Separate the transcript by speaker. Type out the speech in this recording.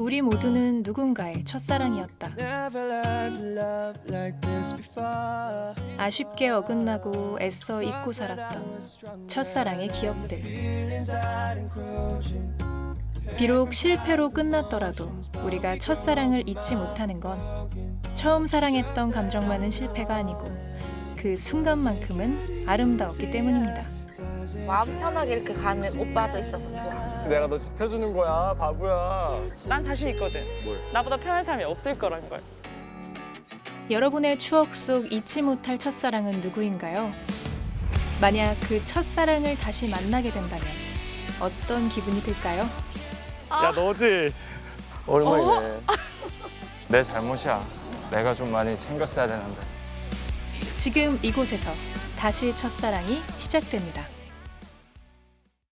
Speaker 1: 우리 모두는 누군가의 첫사랑이었다. 아쉽게 어긋나고 애써 잊고 살았던 첫사랑의 기억들. 비록 실패로 끝났더라도 우리가 첫사랑을 잊지 못하는 건 처음 사랑했던 감정만은 실패가 아니고 그 순간만큼은 아름다웠기 때문입니다.
Speaker 2: 마음 편하게 이렇게 가는 오빠도 있어서 좋아.
Speaker 3: 내가 너 지켜주는 거야, 바보야.
Speaker 4: 난 자신 있거든.
Speaker 3: 뭘?
Speaker 4: 나보다 편한 사람이 없을 거란 걸.
Speaker 1: 여러분의 추억 속 잊지 못할 첫사랑은 누구인가요? 만약 그 첫사랑을 다시 만나게 된다면 어떤 기분이 들까요?
Speaker 3: 야, 너지?
Speaker 5: 오랜만이네. 내 잘못이야. 내가 좀 많이 챙겼어야 되는데.
Speaker 1: 지금 이곳에서 다시 첫사랑이 시작됩니다.